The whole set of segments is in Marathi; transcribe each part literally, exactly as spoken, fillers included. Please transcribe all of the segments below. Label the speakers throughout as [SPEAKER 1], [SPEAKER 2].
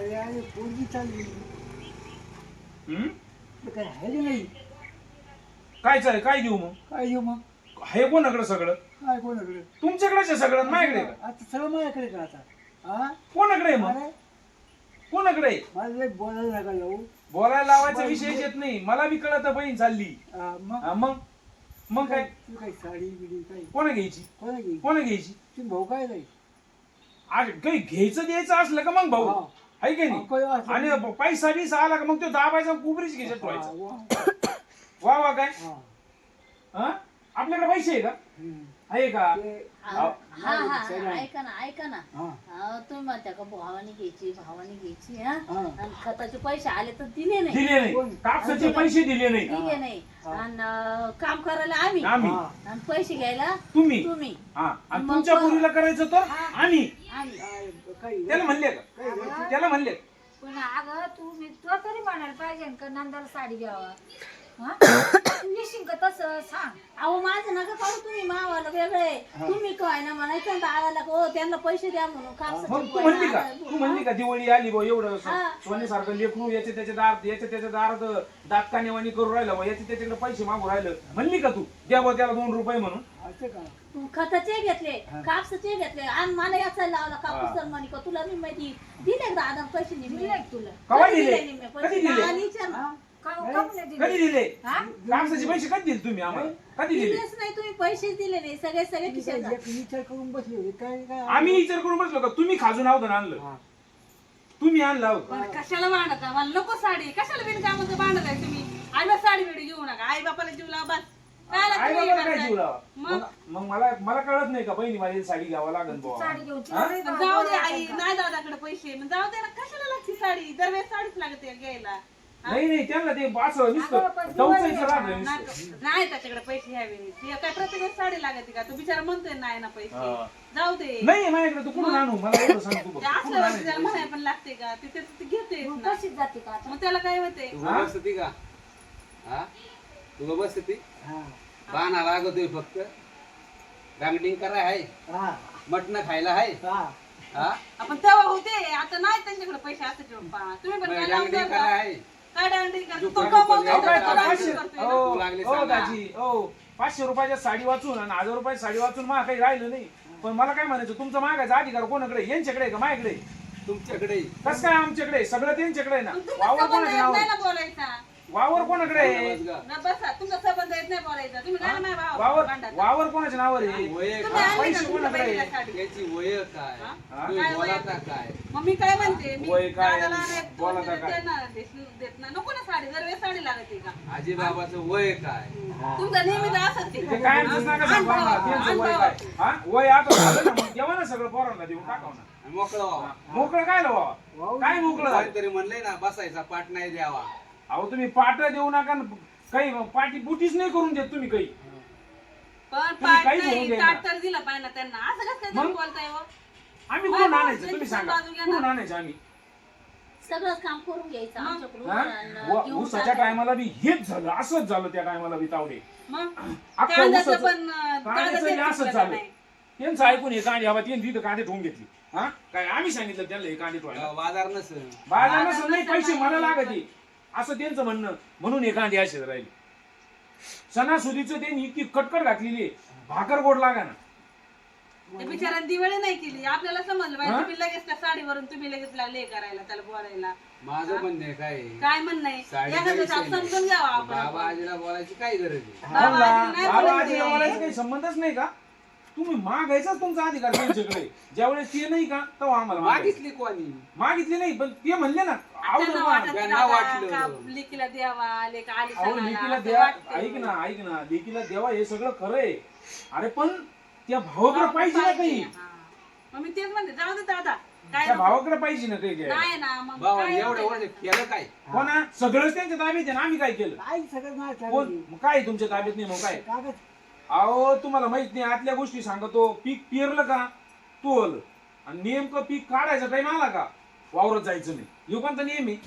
[SPEAKER 1] अरे अरे पोरगी चालली
[SPEAKER 2] हम्म
[SPEAKER 1] काय आहे नाही
[SPEAKER 2] काय चालेल काय देऊ मग
[SPEAKER 1] काय घेऊ मग
[SPEAKER 2] हे कोणाकडे सगळं
[SPEAKER 1] काय कोणाकडे
[SPEAKER 2] तुमच्याकडेच आहे सगळं माझ्याकडे आहे का?
[SPEAKER 1] आता सगळं माझ्याकडे का आता हा
[SPEAKER 2] कोणाकडे आहे मग
[SPEAKER 1] अरे
[SPEAKER 2] कोणाकडे आहे?
[SPEAKER 1] मला लय बोलायला नका जाऊ
[SPEAKER 2] बोलायला लावायचा विषय येत नाही मला बी कळत बहीण चालली
[SPEAKER 1] हा, मग
[SPEAKER 2] हा, मग मग काय
[SPEAKER 1] तू काही साडी बिडी काही
[SPEAKER 2] कोणा घ्यायची
[SPEAKER 1] कोणा घे
[SPEAKER 2] कोणा घ्यायची
[SPEAKER 1] तुम्ही भाऊ काय नाही
[SPEAKER 2] आज काही घ्यायचं द्यायचं असलं का मग भाऊ
[SPEAKER 1] हा.
[SPEAKER 2] आहे की
[SPEAKER 1] हा, काही
[SPEAKER 2] नाही
[SPEAKER 1] असलं
[SPEAKER 2] आणि पैसा बिसा आला का मग तो दाबायचा कुबरीच घ्यायचा
[SPEAKER 1] हा,
[SPEAKER 2] ठेवायचा
[SPEAKER 1] वा.
[SPEAKER 2] वा वा काय
[SPEAKER 1] हा.
[SPEAKER 2] हा आपल्याकडे पैसे आहे का
[SPEAKER 1] हम्म.
[SPEAKER 2] आहे का
[SPEAKER 1] ते-
[SPEAKER 3] हा हा
[SPEAKER 1] सगळं.
[SPEAKER 3] हा, ऐका ना ऐका ना
[SPEAKER 1] हा.
[SPEAKER 3] अहो, तुम्ही म्हणता का भावाने घ्यायची भावाने घ्यायची हा
[SPEAKER 1] हा.
[SPEAKER 3] आणि खताचे पैसे आले तर दिले नाही
[SPEAKER 2] दिले नाही
[SPEAKER 1] कोण?
[SPEAKER 2] कापसाचे पैसे दिले नाही
[SPEAKER 3] दिले नाही
[SPEAKER 1] हा.
[SPEAKER 3] आणि अं, काम करायला आम्ही
[SPEAKER 2] आम्ही
[SPEAKER 1] हा.
[SPEAKER 3] आणि पैसे घ्यायला
[SPEAKER 2] तुम्ही
[SPEAKER 3] तुम्ही
[SPEAKER 2] हा आणि
[SPEAKER 3] मग
[SPEAKER 2] तुमच्या
[SPEAKER 3] पण-
[SPEAKER 2] पोरीला करायचं तर आम्ही
[SPEAKER 3] आम्ही
[SPEAKER 1] काय काही
[SPEAKER 2] त्याला म्हणले का
[SPEAKER 1] काही
[SPEAKER 2] त्याला म्हणले
[SPEAKER 4] पण अगं तू मी तुला तरी म्हणायला पाहिजे का नंदाला साडी घ्यावा हा तू येशील का तसं सांग
[SPEAKER 3] अहो माझं नका काढू तुम्ही मावाला वेगळे तुम्ही काय ना म्हणायचं दादाला हो त्यांना पैसे द्या म्हणून
[SPEAKER 2] मग
[SPEAKER 3] कापसाचे
[SPEAKER 2] तू म्हणली का
[SPEAKER 3] पैसे.
[SPEAKER 2] तू म्हणली का दिवाळी आली बा एवढं
[SPEAKER 3] हा.
[SPEAKER 2] सोन्यासारखं लेकरू याचे त्याच्या दार याच्या त्याच्या दारात दात कानेवाणी करू राहिलं मग याचे त्याच्याकडे पैसे मागू राहिलं म्हणली का तू द्या बा त्याला दोन रुपये म्हणून
[SPEAKER 1] असं का
[SPEAKER 3] खताचे घेतले कापसाचे घेतले आणि मला याचा लावला
[SPEAKER 2] हा.
[SPEAKER 3] कापूस तर म्हणे का तुला मी माहिती दिले दादा पैसे निघले
[SPEAKER 4] दिले का तुला
[SPEAKER 2] कवा
[SPEAKER 3] कधी
[SPEAKER 2] दिले
[SPEAKER 3] निम्मे
[SPEAKER 2] कधी
[SPEAKER 3] पैसे?
[SPEAKER 2] दिले
[SPEAKER 3] आणि विचार ना.
[SPEAKER 1] हा?
[SPEAKER 4] का
[SPEAKER 1] नाही.
[SPEAKER 4] का नाही दिली?
[SPEAKER 2] कधी दिले
[SPEAKER 4] हा?
[SPEAKER 2] कापसाचे पैसे कधी दिले तुम्ही आम्हाला कधी दिले
[SPEAKER 3] दिलेच नाही तुम्ही पैसेच दिले नाही सगळे सगळे
[SPEAKER 1] तुम्ही
[SPEAKER 3] खिशात
[SPEAKER 1] काय एक विचार करून बसले होते काय काय
[SPEAKER 2] आम्ही विचार करून बसलो का तुम्ही खाजून आहोत ना आणलं
[SPEAKER 1] हा.
[SPEAKER 2] तुम्ही आणलं आहोत
[SPEAKER 5] पण कशाला भांडता मला नको साडी कशाला बिनकामाचं भांडत आहे तुम्ही आईला साडी बिडी घेऊ नका आई बापाला जीव लावा बस काय लागतं
[SPEAKER 2] आई
[SPEAKER 5] हे
[SPEAKER 2] बाबाला काय
[SPEAKER 5] करताय?
[SPEAKER 2] जीव लावा
[SPEAKER 5] मग?
[SPEAKER 2] मग मग मला मला कळत नाही का बहिणी माझी साडी घ्यावं लागेल
[SPEAKER 4] तू
[SPEAKER 2] बुवा.
[SPEAKER 4] साडी घेऊन
[SPEAKER 2] हा?
[SPEAKER 4] तिला लई
[SPEAKER 5] पण
[SPEAKER 4] भाव
[SPEAKER 5] जाऊ दे
[SPEAKER 4] आहे
[SPEAKER 5] आई
[SPEAKER 4] का?
[SPEAKER 5] नाही दादाकडे पैसे मग जाऊ दे ना कशाला लागते साडी दरवेळेस साडीच लागते घ्यायला
[SPEAKER 2] नाही नाही त्यांना ते असं
[SPEAKER 4] अगं,
[SPEAKER 2] नुसतं
[SPEAKER 4] पण
[SPEAKER 2] डवचायचं
[SPEAKER 4] दिवाळी
[SPEAKER 2] राहतं
[SPEAKER 4] आहे.
[SPEAKER 2] नुसतं.
[SPEAKER 5] नाही नाही त्याच्याकडे पैसे घ्यावे ते काय प्रत्येक वेळेस साडी लागते का तो बिचारा म्हणतोय नाही ना पैसे
[SPEAKER 2] हा.
[SPEAKER 5] जाऊ दे
[SPEAKER 2] नाही माझ्याकडे तू कुठून आणू मला एवढं सांग तू
[SPEAKER 5] ते
[SPEAKER 2] बघ.
[SPEAKER 5] असलं
[SPEAKER 2] कुठून
[SPEAKER 5] वरती त्याला
[SPEAKER 2] आणायचं?
[SPEAKER 5] म्हणाय पण लागते का ते त्याचं ते घेते
[SPEAKER 4] तू तशीच जाते का आता?
[SPEAKER 5] मग त्याला काय होते
[SPEAKER 6] तू
[SPEAKER 2] हा?
[SPEAKER 6] बसती का हा तू बसती
[SPEAKER 1] हा.
[SPEAKER 6] बाणा लागतोय फक्त गांगडिंग कराय आहे
[SPEAKER 1] हा.
[SPEAKER 6] मटण खायला आहे
[SPEAKER 1] हा.
[SPEAKER 6] हा
[SPEAKER 5] आपण तेव्हा होते आता नाही त्यांच्याकडे पैसे असते पप्पा तुम्ही पण काय लावून
[SPEAKER 6] गांगडिंग
[SPEAKER 5] द्या
[SPEAKER 6] कराय
[SPEAKER 5] का?
[SPEAKER 6] आहे
[SPEAKER 5] काय डांगडिंग करतो? तो
[SPEAKER 6] दुकानात
[SPEAKER 5] कमवतोय,
[SPEAKER 2] अहो,
[SPEAKER 6] पण
[SPEAKER 2] काय
[SPEAKER 5] तो
[SPEAKER 2] काय
[SPEAKER 6] जायचं.
[SPEAKER 2] पाचशे
[SPEAKER 5] डान्स करतोय.
[SPEAKER 2] हो
[SPEAKER 6] तू लागली
[SPEAKER 2] हो
[SPEAKER 6] सांगा.
[SPEAKER 2] दाजी हो पाचशे रुपयाच्या साडी वाचून आणि हजार रुपयाची साडी वाचून मला काही राहिलं नाही पण मला काय म्हणायचं तुमचा मागायचा अधिकार कोणाकडे आहे? यांच्याकडे आहे का माझ्याकडे
[SPEAKER 6] तुमच्याकडे
[SPEAKER 2] कसं काय आमच्याकडे आहे? सगळं त्यांच्याकडे आहे ना
[SPEAKER 5] पण तुमचा
[SPEAKER 2] वावर
[SPEAKER 5] संबंध
[SPEAKER 2] कोणाच्या
[SPEAKER 5] येत
[SPEAKER 2] नावावर
[SPEAKER 5] नाही ना बोलायचा
[SPEAKER 2] वावर कोणाकडे आहे
[SPEAKER 5] ना बसा तुमचा संबंध येत नाही बोलायचा तुम्ही काय नाही भाव
[SPEAKER 2] वावर
[SPEAKER 5] भांडायचा.
[SPEAKER 2] वावर कोणाच्या नावावर आहे
[SPEAKER 6] वय
[SPEAKER 5] तुम्ही
[SPEAKER 6] काय
[SPEAKER 5] आणली
[SPEAKER 2] पैसे
[SPEAKER 5] का तुमच्या
[SPEAKER 2] कोणाकडे आहे?
[SPEAKER 5] बहिणीला साडी?
[SPEAKER 6] त्याची वय काय
[SPEAKER 5] हा?
[SPEAKER 6] तुम्ही
[SPEAKER 5] काय वय?
[SPEAKER 6] बोलाता काय
[SPEAKER 5] मग मी काय म्हणते मी
[SPEAKER 2] वय काय?
[SPEAKER 5] दादाला एक दोन
[SPEAKER 2] बोलाता
[SPEAKER 5] दिवस
[SPEAKER 2] काय?
[SPEAKER 5] देणार, देश- देत नाही. नको ना साडी दरवेळेस साडी लागते का
[SPEAKER 6] आजी बाबाचं वय काय
[SPEAKER 5] तुमचा नेहमीच असत
[SPEAKER 2] ते काय नका सांगू आम्हाला, त्यांचं वय काय हा वय आता झालं ना मग देवा ना सगळं पोरांना देऊन टाकाव ना
[SPEAKER 6] आणि मोकळं व्हावं.
[SPEAKER 2] मोकळं काय लावा
[SPEAKER 1] वाव.
[SPEAKER 2] काय मोकळं झालं?
[SPEAKER 6] कोणीतरी म्हणलंय ना बसायचा पाठ नाही द्यावा
[SPEAKER 2] अहो तुम्ही पाट देऊ नका न काही पाठी बुटीच नाही करून देत तुम्ही काही
[SPEAKER 5] पण
[SPEAKER 2] तुम्ही
[SPEAKER 5] पाठ
[SPEAKER 2] काहीच होऊन
[SPEAKER 5] नाही
[SPEAKER 2] देईना.
[SPEAKER 5] ताट तर दिला पाहिजे ना त्यांना असं कसं काय
[SPEAKER 2] मग?
[SPEAKER 5] तुम्ही बोलताय हो?
[SPEAKER 2] आम्ही
[SPEAKER 5] बाय
[SPEAKER 2] कुठून
[SPEAKER 5] बाय,
[SPEAKER 2] आणायचं तुम्ही
[SPEAKER 5] त्यांची
[SPEAKER 2] सांगा
[SPEAKER 5] बाजू घ्या ना.
[SPEAKER 2] कुठून आणायचं आम्ही
[SPEAKER 3] सगळंच काम करून घ्यायचं
[SPEAKER 5] मग?
[SPEAKER 3] आमच्याकडून
[SPEAKER 2] हा?
[SPEAKER 3] आणि
[SPEAKER 2] व-
[SPEAKER 3] देऊन
[SPEAKER 2] ऊसाच्या
[SPEAKER 3] टाकायचं.
[SPEAKER 2] टायमाला बी हेच झालं असंच झालं त्या टायमाला बी तावडे
[SPEAKER 5] मग
[SPEAKER 2] अख्खं
[SPEAKER 5] कांद्याचं
[SPEAKER 2] ऊसाचं-
[SPEAKER 5] पण अं,
[SPEAKER 2] कांद्याचं
[SPEAKER 5] दादा
[SPEAKER 2] बी
[SPEAKER 5] देत
[SPEAKER 2] असंच
[SPEAKER 5] का
[SPEAKER 2] झालं
[SPEAKER 5] नाही?
[SPEAKER 2] त्यांचं ऐकून हे कांदे हवा त्यांनी तिथं कांदे ठेवून घेतली हा काय आम्ही सांगितलं त्यांना हे कांदे ठेवायला
[SPEAKER 6] बाजार नसेल
[SPEAKER 2] बाजारानं
[SPEAKER 5] बाजार
[SPEAKER 2] नाही
[SPEAKER 5] नसेल
[SPEAKER 2] पैसे मला
[SPEAKER 5] बाजार
[SPEAKER 2] लागते असं त्यांचं म्हणणं म्हणून हे कांदे असे राहिले सणासुदीचं त्यांनी इतकी कटकट घातलेली आहे, भाकर गोड लागा ना
[SPEAKER 5] ते बिचाऱ्याने दिवाळी नाही केली आपल्याला समजलं पाहिजे
[SPEAKER 2] हा?
[SPEAKER 5] तुम्ही लगेच त्या साडीवरून तुम्ही लगेच लागले हे करायला त्याला बोलायला
[SPEAKER 6] माझं म्हणणं आहे काय
[SPEAKER 5] काय म्हणणं आहे
[SPEAKER 6] साडीचा
[SPEAKER 5] एखादं
[SPEAKER 6] विषय
[SPEAKER 5] आप
[SPEAKER 6] नाही.
[SPEAKER 5] समजून घ्यावा
[SPEAKER 6] बाबा
[SPEAKER 5] आपण
[SPEAKER 6] आजीला बोलायची काय गरज आहे
[SPEAKER 5] बाबा
[SPEAKER 2] बोलला,
[SPEAKER 5] आजी नाही
[SPEAKER 2] बाबा
[SPEAKER 5] बोलत
[SPEAKER 2] आजीला
[SPEAKER 5] ते.
[SPEAKER 2] बोलायचं काही संबंधच नाही का तुम्ही मागायचाच तुमचा अधिकार त्यांच्याकडे ज्यावेळेस ते नाही का तेव्हा आम्हाला मागायचं.
[SPEAKER 6] मागितली कोणी
[SPEAKER 2] मागितली नाही पण ते म्हणले ना
[SPEAKER 5] त्यांना
[SPEAKER 2] अवघड
[SPEAKER 5] वाटत
[SPEAKER 2] मा-
[SPEAKER 6] त्यांना
[SPEAKER 5] दादा
[SPEAKER 6] वाटलं.
[SPEAKER 5] का लेकीला द्यावा लेक आली
[SPEAKER 2] अहो
[SPEAKER 5] सणाला,
[SPEAKER 2] लेकीला
[SPEAKER 5] असं
[SPEAKER 2] द्या
[SPEAKER 5] वाटतं.
[SPEAKER 2] ऐक ना ऐक ना लेकीला देवा हे सगळं खरं आहे अरे पण त्या भावाकडे पाहिजे ना काही
[SPEAKER 5] हा. मग मी तेच म्हणते जाऊ दे दादा काय
[SPEAKER 2] त्या
[SPEAKER 5] नको.
[SPEAKER 2] भावाकडे पाहिजे ना काही घ्यायला.
[SPEAKER 5] नाही ना मग
[SPEAKER 6] बाबा
[SPEAKER 5] काय
[SPEAKER 6] एवढं
[SPEAKER 5] होतंय?
[SPEAKER 6] वर्ष केलं काय
[SPEAKER 2] हो ना सगळंच त्यांच्या ताब्यात आहे ना आम्ही काय केलं
[SPEAKER 1] काय सगळं नाही
[SPEAKER 2] कोण
[SPEAKER 1] चालली.
[SPEAKER 2] मग काय तुमच्या ताब्यात नाही मग काय
[SPEAKER 1] कागद
[SPEAKER 2] अहो तुम्हाला माहित नाही आतल्या गोष्टी सांगतो पीक पेरलं का तोल आणि नेमकं पीक काढायचा टाइम आला का वावरात जायचं नाही योगांचा नियम आहे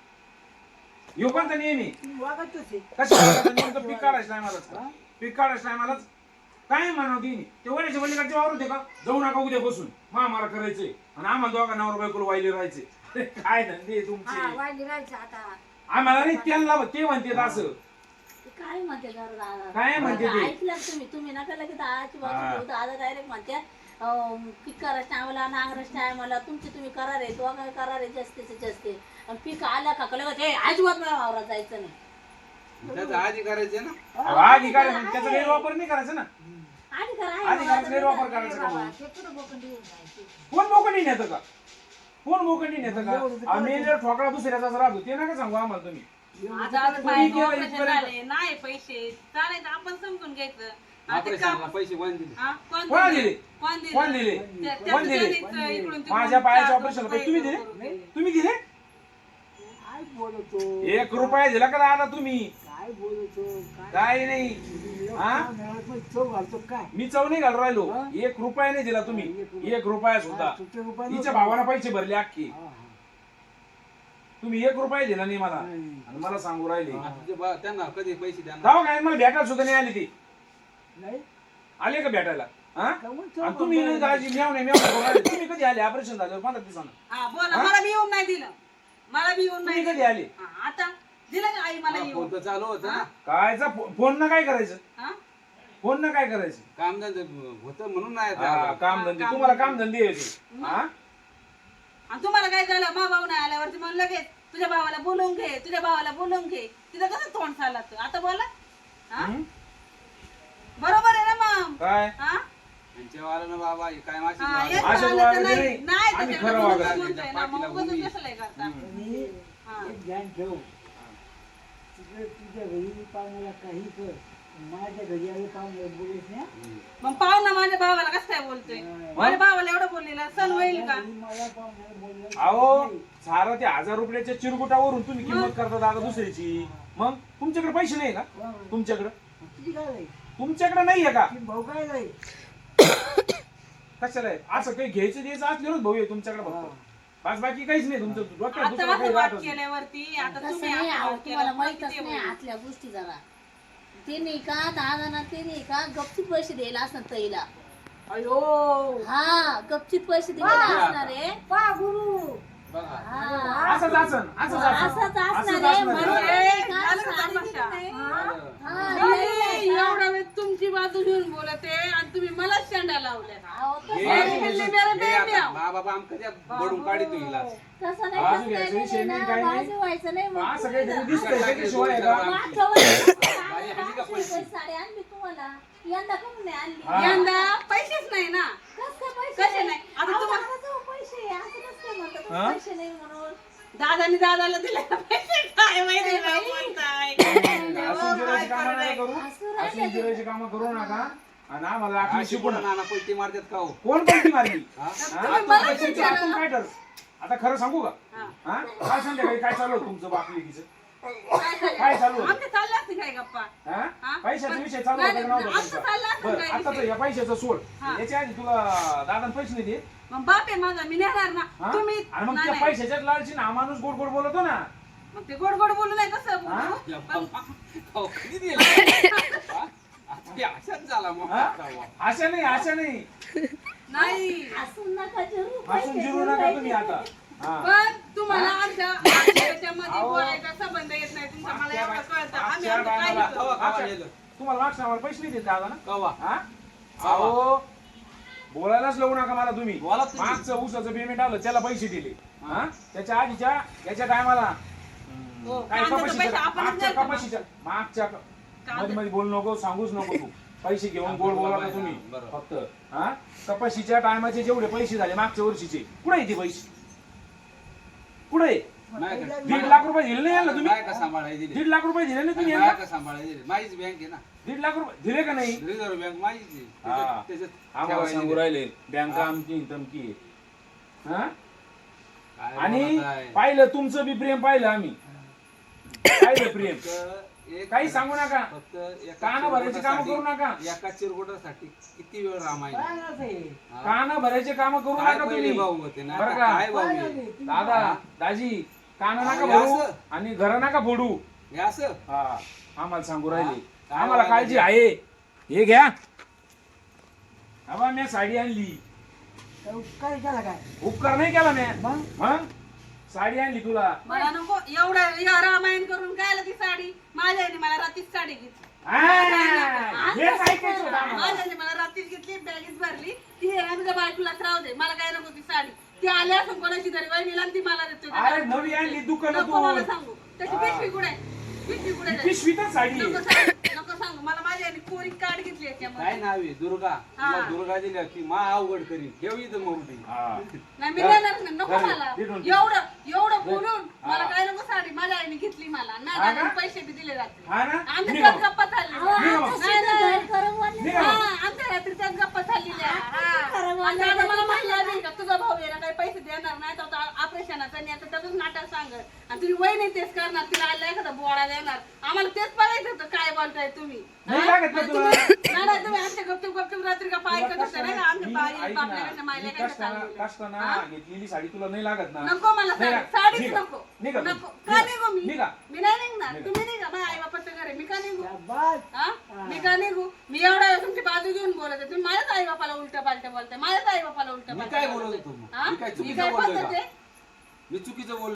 [SPEAKER 2] योगांचा नियम आहे
[SPEAKER 1] तुम्ही वागतच आहे.
[SPEAKER 2] कसं नेमकं पीक काढायचं टायमालाच का पीक काढायचं टायमालाच काय म्हणावं तिने ते वड्याच्या पलीकडचे वावर होते का जाऊ नका उद्या बसून मा मला करायचंय आणि आम्हाला दोघा नवरा बायकोला वाहिले राहायचे काय धंदे
[SPEAKER 4] हा
[SPEAKER 2] तुमचे
[SPEAKER 4] वाढली राहायचं आता
[SPEAKER 2] आम्हाला नाही त्यांना ते म्हणते असं
[SPEAKER 3] ते काय म्हणते जरा दादा
[SPEAKER 2] काय म्हणते ते?
[SPEAKER 3] ऐकलं तुम्ही तुम्ही नका लगेच आजची
[SPEAKER 2] हा.
[SPEAKER 3] बाजू दादा डायरेक्ट म्हणते पीक करायचं टायमाला नांगराच टायमाला तुमचे तुम्ही करार आहे तो काय करार आहे जास्तीचे जास्त आणि पीक आला का लगेच हे अजिबात मला वावरात जायचं नाही
[SPEAKER 6] त्याचं आधी करायचे ना
[SPEAKER 2] अहो, आधी काय म्हणजे त्याचा गैरवापर नाही करायचा ना
[SPEAKER 3] आधी करा आहे
[SPEAKER 2] आधी
[SPEAKER 3] बाबा,
[SPEAKER 2] करायचा गैरवापर करायचा का
[SPEAKER 4] बाबा
[SPEAKER 2] मग?
[SPEAKER 4] ते कुठं बोकंडी येऊन जायची
[SPEAKER 2] कोण मोकंडी नेतं का कोण मोकंडी नेतं का आम्ही जर ठोकळा दुसऱ्याचा राहतो ते नका सांगू आम्हाला तुम्ही
[SPEAKER 5] आता आज
[SPEAKER 2] तुम्ही
[SPEAKER 5] बाहेर
[SPEAKER 2] केलं
[SPEAKER 5] ऑपरेशन
[SPEAKER 2] इथपर्यंत.
[SPEAKER 5] झाले नाही पैसे चालायचं आपण समजून घ्यायचं आता
[SPEAKER 6] ऑपरेशनला
[SPEAKER 5] का-
[SPEAKER 6] पैसे कोण दिले
[SPEAKER 5] हा? कोण
[SPEAKER 2] कोण
[SPEAKER 5] दिले?
[SPEAKER 2] दिले?
[SPEAKER 5] कोण दिले?
[SPEAKER 2] कोण दिले?
[SPEAKER 5] त्या-
[SPEAKER 2] कोण
[SPEAKER 5] त्याचं
[SPEAKER 2] दिले?
[SPEAKER 5] त्यांनीच इकडून तिकडून
[SPEAKER 2] माझ्या पायाच्या
[SPEAKER 5] चार
[SPEAKER 2] ऑपरेशनला
[SPEAKER 5] रुपये
[SPEAKER 2] पैसे तुम्ही दिले?
[SPEAKER 5] करून दिले.
[SPEAKER 2] तुम्ही दिले
[SPEAKER 1] काय बोलतो
[SPEAKER 2] एक रुपया दिला का दादा तुम्ही
[SPEAKER 1] काय बोलतो
[SPEAKER 2] काय नाही हा?
[SPEAKER 1] काय चव घालतो काय
[SPEAKER 2] मी चव नाही घालून राहिलो
[SPEAKER 1] हा?
[SPEAKER 2] एक रुपया नाही दिला तुम्ही एक रुपया सुद्धा
[SPEAKER 1] सुट्टे रुपये
[SPEAKER 2] तिच्या
[SPEAKER 1] नव्हते.
[SPEAKER 2] भावाला पैसे भरले अख्खे
[SPEAKER 1] हा, हा.
[SPEAKER 2] तुम्ही एक रुपया दिला नाही मला
[SPEAKER 1] नाही.
[SPEAKER 2] आणि मला सांगू राहिले
[SPEAKER 6] आता ते बा- त्यांना कधी पैसे द्या
[SPEAKER 2] जाऊ काय मला भेटायला सुद्धा नाही आली ती
[SPEAKER 1] नाही
[SPEAKER 2] आले का भेटायला हा
[SPEAKER 1] काहून चव
[SPEAKER 2] आणि तुम्ही नाही दाजी मेव नाही मेव करून राहिले. तुम्ही कधी आले ऑपरेशन झालं पंधरा दिवसानं
[SPEAKER 5] हा बोला
[SPEAKER 2] हा?
[SPEAKER 5] मला बी येऊन नाही दिलं मला बी येऊन नाही
[SPEAKER 2] तुम्ही कधी
[SPEAKER 5] दिलं.
[SPEAKER 2] आले
[SPEAKER 5] हा, आता दिलं का आई मला
[SPEAKER 6] फोन
[SPEAKER 5] येऊन
[SPEAKER 6] तर चालू होतं ना
[SPEAKER 2] कायचा फोन ना काय करायचं
[SPEAKER 5] हा?
[SPEAKER 2] फोन ना काय करायचं
[SPEAKER 6] काम होतं म्हणून नाही
[SPEAKER 2] हा,
[SPEAKER 6] आता.
[SPEAKER 2] काम धंदे तुम्हाला काम धंदे यायचे हा
[SPEAKER 5] आणि तुम्हाला काय झालं मा भाऊ नाही आल्यावरती म्हणलं लगेच तुझ्या भावाला बोलवून घे तुझ्या भावाला बोलवून घे तिथं कसं तोंड चालत आता बोला हा?
[SPEAKER 2] हं?
[SPEAKER 5] बरोबर आहे ना मग
[SPEAKER 2] काय
[SPEAKER 5] हा?
[SPEAKER 6] यांच्या वाला बाबा हे काय माशी
[SPEAKER 5] हा,
[SPEAKER 6] वाला.
[SPEAKER 5] एक
[SPEAKER 2] असं
[SPEAKER 5] झालं तर
[SPEAKER 2] वागायचं
[SPEAKER 5] नाही.
[SPEAKER 2] नाही.
[SPEAKER 5] नाही,
[SPEAKER 2] आम्ही
[SPEAKER 5] त्याच्याकडे
[SPEAKER 2] खरं
[SPEAKER 5] बोलून
[SPEAKER 2] वागायचं.
[SPEAKER 5] म्हणतोय ना, मग
[SPEAKER 6] पाठीला
[SPEAKER 5] उगाच
[SPEAKER 6] उभी.
[SPEAKER 5] कसं लय करता?
[SPEAKER 1] आणि
[SPEAKER 5] हा.
[SPEAKER 1] एक ध्यान ठेव तिकडे तुझ्या घरी पाहुण्याला काही कर माझ्या घरी आले पाहुण्याला बोलत नाही
[SPEAKER 6] हम्म.
[SPEAKER 5] मग पाहू ना माझ्या भावाला कसं काय बोलतोय माझ्या भावाला एवढं बोललेलं सण होईल का
[SPEAKER 1] घरी मला पाहुण्याला बोललं
[SPEAKER 2] अहो सारं ते हजार रुपयाच्या चिरगुटावरून तुम्ही किंमत करता दादा दुसऱ्याची मग तुमच्याकडे पैसे नाही का तुमच्याकडे
[SPEAKER 1] तुझी काय नाही
[SPEAKER 2] तुमच्याकडे नाहीये का
[SPEAKER 1] ती भाऊ काय नाही
[SPEAKER 2] कशाला आहे? असं काही घ्यायचं द्यायचं असल्यावरच भाऊ आहे तुमच्याकडे फक्त बस बाकी काहीच नाही तुमचं डोक्यात
[SPEAKER 5] आता
[SPEAKER 2] दुसरं
[SPEAKER 5] असं
[SPEAKER 2] काही
[SPEAKER 5] वाद
[SPEAKER 2] राहतच नाही.
[SPEAKER 5] केल्यावरती आता
[SPEAKER 3] तसं
[SPEAKER 5] तुम्ही
[SPEAKER 3] नाही
[SPEAKER 5] असं
[SPEAKER 3] अहो,
[SPEAKER 5] वाद केलं,
[SPEAKER 3] तुम्हाला
[SPEAKER 5] पुढं
[SPEAKER 3] माहीतच
[SPEAKER 5] किती
[SPEAKER 3] नाही
[SPEAKER 5] होईल?
[SPEAKER 3] आतल्या गोष्टी जरा ते नाही का दादाना ते नाही का गपचीत पैसे द्यायला असणार तईला
[SPEAKER 5] अयो
[SPEAKER 3] हा गपचीत पैसे द्यायला असणार आहे
[SPEAKER 4] पा गुरु
[SPEAKER 6] बघा
[SPEAKER 3] हा.
[SPEAKER 2] असंच असं असंच
[SPEAKER 3] असंच
[SPEAKER 2] असं
[SPEAKER 3] असणार
[SPEAKER 2] असंच
[SPEAKER 3] आहे
[SPEAKER 2] असणार
[SPEAKER 3] म्हणजे
[SPEAKER 2] आहे.
[SPEAKER 3] नाही का,
[SPEAKER 5] झालं का
[SPEAKER 3] साडी
[SPEAKER 5] तमाशा?
[SPEAKER 3] दिली नाही.
[SPEAKER 6] बरं.
[SPEAKER 3] हा,
[SPEAKER 5] नाही,
[SPEAKER 3] नाही, नाही का?
[SPEAKER 5] एवढा वेळ तुमची बाजू घेऊन बोलते आणि तुम्ही मला शेंडा लावल्या
[SPEAKER 3] अहो, तसं
[SPEAKER 6] हे-
[SPEAKER 3] नाही.
[SPEAKER 5] हे-
[SPEAKER 6] हे-
[SPEAKER 5] मेरे
[SPEAKER 6] हे
[SPEAKER 5] बेबी
[SPEAKER 6] आता
[SPEAKER 5] आहो.
[SPEAKER 6] मा बाबा आमचं त्या बडून काढी तू हिला
[SPEAKER 3] तसं नाही
[SPEAKER 2] बाजू
[SPEAKER 3] तसं
[SPEAKER 2] घ्यायचं,
[SPEAKER 3] नाही,
[SPEAKER 2] शेण
[SPEAKER 3] नाही,
[SPEAKER 2] नाही, काही नाही.
[SPEAKER 3] बाजू व्हायचं नाही मग
[SPEAKER 2] असं
[SPEAKER 3] तुम्ही
[SPEAKER 2] काही
[SPEAKER 3] जरा-
[SPEAKER 2] दिसतंय त्याच्याशिवाय आहे का?
[SPEAKER 3] मागच्या वेळेस
[SPEAKER 6] बाई, आणली का पैसे?
[SPEAKER 3] साडी आणली तुम्हाला यंदा का नाही आणली
[SPEAKER 2] हा.
[SPEAKER 5] यंदा पैसेच नाही ना
[SPEAKER 3] कसं काय पैसे
[SPEAKER 5] कसे नाही? आता
[SPEAKER 3] अहो,
[SPEAKER 5] तुम्हाला-
[SPEAKER 3] दादाजवळ पैसे आहे, असं कसं काय म्हणता तुम्ही
[SPEAKER 2] हा?
[SPEAKER 3] पैसे नाही म्हणून
[SPEAKER 5] दादानी दादाला दिले पैसे काय माहिती ना बोलताय.
[SPEAKER 2] असून जिरायची कामं नका करू
[SPEAKER 3] असं
[SPEAKER 2] असून जिरायची कामं करू नका आणि आम्हाला आखली शिकू नका
[SPEAKER 6] नाना पलटी मारतात का हो?
[SPEAKER 2] कोण पैकी मारली
[SPEAKER 6] हा?
[SPEAKER 2] हा?
[SPEAKER 5] तुम्ही मला
[SPEAKER 2] तुमचं
[SPEAKER 5] विचारा.
[SPEAKER 2] आतून काय ठर आता खरं सांगू का
[SPEAKER 5] हा.
[SPEAKER 2] हा काय संध्याकाळी काय चालू होतं तुमचं बापलेकीचं
[SPEAKER 5] काय झालं?
[SPEAKER 2] काय चालू होतं?
[SPEAKER 5] आमचे चालले असते काय गप्पा
[SPEAKER 2] हा?
[SPEAKER 5] हा?
[SPEAKER 2] पैशाचा विषय चालू
[SPEAKER 5] नाही,
[SPEAKER 2] होता का नव्हता
[SPEAKER 5] आमचं चाललं
[SPEAKER 2] तुमचा?
[SPEAKER 5] असेल
[SPEAKER 2] बरं
[SPEAKER 5] काय
[SPEAKER 2] आताच
[SPEAKER 5] विषय.
[SPEAKER 2] या पैशाचं सोड
[SPEAKER 5] हा.
[SPEAKER 2] याच्या आधी तुला दादा पैसे नाही देत
[SPEAKER 5] मग बाप आहे माझा मी नेणार ना
[SPEAKER 2] हा?
[SPEAKER 5] तुम्ही
[SPEAKER 2] आणि मग
[SPEAKER 5] नाही,
[SPEAKER 2] त्या
[SPEAKER 5] नाही.
[SPEAKER 2] पैशाच्याच लालची ना माणूस गोड गोड बोलतो ना
[SPEAKER 5] मग ते गोड गोड बोलू नाही कसं
[SPEAKER 2] हा?
[SPEAKER 5] बोलू?
[SPEAKER 6] या
[SPEAKER 5] पण
[SPEAKER 6] बाबा, हो, किती दिलं? हा? आता हे अशाच झाला मग
[SPEAKER 2] हा?
[SPEAKER 6] आता.
[SPEAKER 2] अशा नाही अशा नाही
[SPEAKER 5] नाही
[SPEAKER 3] हसून नका जिरू
[SPEAKER 2] हसून
[SPEAKER 3] पैसे
[SPEAKER 2] जिरू
[SPEAKER 3] देऊन
[SPEAKER 2] नका
[SPEAKER 3] राहिले.
[SPEAKER 2] तुम्ही आता हा
[SPEAKER 5] पण तुम्हाला आमच्या त्याच्यामध्ये
[SPEAKER 2] अहो.
[SPEAKER 5] बोलायचा संबंध येत नाही तुमचा मला
[SPEAKER 2] मागच्या
[SPEAKER 5] एवढं
[SPEAKER 2] बा-
[SPEAKER 5] कळतं आम्ही
[SPEAKER 2] मागच्या
[SPEAKER 5] आमचं काय
[SPEAKER 2] बायला-
[SPEAKER 5] घेतो
[SPEAKER 6] कवा कवा
[SPEAKER 2] मागच्या-
[SPEAKER 6] नेलं?
[SPEAKER 2] तुम्हाला मागच्या आम्हाला पैसे नाही देत दादा ना
[SPEAKER 6] कवा
[SPEAKER 2] हा अहो बोलायलाच लावू नका मला तुम्ही
[SPEAKER 6] बोला तुम्ही.
[SPEAKER 2] मागचं ऊसाचं पेमेंट आलं त्याला पैसे दिले हा त्याच्या आधीच्या याच्या टायमाला
[SPEAKER 5] हो,
[SPEAKER 2] काय
[SPEAKER 5] कांद्याचं
[SPEAKER 2] कपाशीच्या
[SPEAKER 5] पैसे आपणच
[SPEAKER 2] मागच्या
[SPEAKER 5] द्यायचं
[SPEAKER 2] कपाशीच्या मागच्या
[SPEAKER 5] कांदा-
[SPEAKER 2] मध्ये मध्ये बोलू नको सांगूच नको तू पैसे घेऊन गोड बोला का तुम्ही
[SPEAKER 6] बरोबर.
[SPEAKER 2] फक्त हा कपाशीच्या टायमाचे जेवढे पैसे झाले मागच्या वर्षीचे कुठे आहे ते पैसे कुठे
[SPEAKER 6] नाही का?
[SPEAKER 2] दीड लाख रुपये दिले नाही यांना तुम्ही
[SPEAKER 6] नाही का सांभाळायला दिले?
[SPEAKER 2] दीड लाख रुपये दिले नाही तुम्ही
[SPEAKER 6] नाही
[SPEAKER 2] यांना
[SPEAKER 6] का सांभाळायला दिले? माझीच बँक आहे ना
[SPEAKER 2] दीड लाख रुपये दिले का नाही
[SPEAKER 6] रिझर्व्ह बँक माझीच आहे.
[SPEAKER 2] हा.
[SPEAKER 6] त्याच्यात- त्याच्यात
[SPEAKER 2] आम्हाला
[SPEAKER 6] ठेवायला
[SPEAKER 2] सांगू
[SPEAKER 6] दिले.
[SPEAKER 2] राहिले बँका आमची तमकी आहे. हा
[SPEAKER 6] काय
[SPEAKER 2] आणि
[SPEAKER 6] बोलत आहे?
[SPEAKER 2] पाहिलं तुमचं बी प्रेम पाहिलं आम्ही पाहिलं प्रेम
[SPEAKER 6] फक्त एक-
[SPEAKER 2] काही सांगू नका
[SPEAKER 6] फक्त एका
[SPEAKER 2] कानं भरायची कामं करू
[SPEAKER 6] चिरगुटासाठी-
[SPEAKER 2] नका
[SPEAKER 6] एका चिरगुटासाठी किती वेळ रामायण
[SPEAKER 1] काय नाही
[SPEAKER 6] हा?
[SPEAKER 2] कान भरायचे काम करू
[SPEAKER 6] काय
[SPEAKER 2] नका
[SPEAKER 6] पहिले
[SPEAKER 2] तुम्ही
[SPEAKER 6] भाऊ होते ना
[SPEAKER 2] बरं
[SPEAKER 6] आता
[SPEAKER 2] का?
[SPEAKER 6] काय भाऊ
[SPEAKER 1] काय
[SPEAKER 6] आहे?
[SPEAKER 1] नाही, तुम्ही-
[SPEAKER 2] दादा दाजी कान नका
[SPEAKER 6] अहो,
[SPEAKER 2] भरू
[SPEAKER 6] असं?
[SPEAKER 2] आणि घर नका फोडू
[SPEAKER 6] हे असं
[SPEAKER 2] हा आम्हाला सांगू राहिले
[SPEAKER 6] हा?
[SPEAKER 2] आम्हाला
[SPEAKER 6] काय
[SPEAKER 2] काळजी आहे हे घ्या मी साडी आणली
[SPEAKER 1] काय केला काय
[SPEAKER 2] उपकार नाही केला मी
[SPEAKER 1] मग
[SPEAKER 2] मग साडी आणली तुला
[SPEAKER 5] मला नको एवढं या रामायण करून काय आलं ती साडी माझ्या आईने मला रात्रीच साडी घेतली
[SPEAKER 2] आ, हेच ऐकायचं होतं आम्हाला.
[SPEAKER 5] माझ्या आईने मला रात्रीच घेतली बॅगेच भरली ती हे ना तुझ्या बायकोलाच राहू दे मला काय नको ती साडी ती आल्या असं कोणाची तरी वहिनीला आणि ती मला देते
[SPEAKER 2] अरे नवी आणली
[SPEAKER 5] नको मला
[SPEAKER 2] दुकानातून
[SPEAKER 5] सांगू त्याची पिशवी कुठे आहे? पिशवी कुठे आहे?
[SPEAKER 2] पिशवीतच साडी आहे.
[SPEAKER 5] नको सांगू नको सांगू मला माझ्या आईने कोरी कार्ड घेतली
[SPEAKER 6] काय
[SPEAKER 5] याच्यामध्ये
[SPEAKER 6] नाव आहे दुर्गा
[SPEAKER 5] हा.
[SPEAKER 6] तुला दुर्गा दिल्या की मा अवघड करीन ठेव इथं मोठी
[SPEAKER 2] हा.
[SPEAKER 5] नाही मी देणार नाही नको
[SPEAKER 2] धर,
[SPEAKER 5] मला
[SPEAKER 2] दे दोन.
[SPEAKER 5] एवढं एवढं बोलून
[SPEAKER 2] हा.
[SPEAKER 5] मला काय नको साडी माझ्या आईने घेतली मला
[SPEAKER 2] हा
[SPEAKER 5] नाही
[SPEAKER 2] का?
[SPEAKER 5] दादाने पैसे बी दिले जाते
[SPEAKER 2] हा ना
[SPEAKER 5] आमच्या
[SPEAKER 2] निघा
[SPEAKER 5] त्यात
[SPEAKER 2] मग.
[SPEAKER 5] गप्पा चालल्या
[SPEAKER 3] अहो,
[SPEAKER 2] निघा
[SPEAKER 3] आता
[SPEAKER 2] मग.
[SPEAKER 3] सगळं घर करून वाटलं.
[SPEAKER 2] निघा
[SPEAKER 5] हा,
[SPEAKER 2] मग.
[SPEAKER 5] आमच्या रात्री त्यात गप्पा चाललेल्या
[SPEAKER 3] खरं
[SPEAKER 5] हा.
[SPEAKER 3] बोलले
[SPEAKER 5] आणि दादा मला
[SPEAKER 3] तर
[SPEAKER 5] म्हणला नाही का तुझा भाऊ याला काही पैसे देणार नाही तर ऑपरेशनाचा आणि आता त्याचंच नाटक सांगत आणि तुम्ही वय नाही तेच करणार तिला आला एखादा बोळा देणार आम्हाला तेच बघायचं होतं काय बोलताय तुम्ही
[SPEAKER 2] नाही
[SPEAKER 5] हा?
[SPEAKER 2] लागत ना
[SPEAKER 5] आणि
[SPEAKER 2] तुला.
[SPEAKER 5] तुम्ही- नाही नाही, तुम्ही आमच्या गपचूप गपचूप रात्री का पाय
[SPEAKER 2] तुला
[SPEAKER 5] करत नाही का आमच्या
[SPEAKER 2] मी-
[SPEAKER 5] बाई
[SPEAKER 2] ऐक ना,
[SPEAKER 5] बापल्यापेक्षा मायला
[SPEAKER 2] मी
[SPEAKER 5] काय
[SPEAKER 2] कष्टानं
[SPEAKER 5] चाललेलं.
[SPEAKER 2] कष्टानं
[SPEAKER 5] हा?
[SPEAKER 2] घेतलेली साडी तुला नाही लागत ना
[SPEAKER 5] नको मला
[SPEAKER 2] नाही
[SPEAKER 5] साडी
[SPEAKER 2] ना.
[SPEAKER 5] साडीच
[SPEAKER 2] निघा.
[SPEAKER 5] नको
[SPEAKER 2] निघा तू.
[SPEAKER 5] नको का
[SPEAKER 2] निघा.
[SPEAKER 5] निघू मी
[SPEAKER 2] निघा.
[SPEAKER 5] मी नाही निघणार
[SPEAKER 2] निघा.
[SPEAKER 5] तुम्ही निघा माझ्या आई बापाचं घर आहे मी का निघू
[SPEAKER 1] शाबास.
[SPEAKER 5] हा? मी का निघू मी एवढा वेळ तुमची बाजू घेऊन बोलत आहे तुम्ही माझ्याच आई बापाला उलट पालट बोलताय माझ्याच आई बापाला उलट
[SPEAKER 6] मी
[SPEAKER 5] पालट
[SPEAKER 6] काय बोलत होतो मग? मी काय
[SPEAKER 5] मी
[SPEAKER 6] चुकीचं
[SPEAKER 5] काय
[SPEAKER 6] बोललोय
[SPEAKER 5] पद्धत
[SPEAKER 6] का?
[SPEAKER 5] आहे
[SPEAKER 6] मी चुकीचं बोल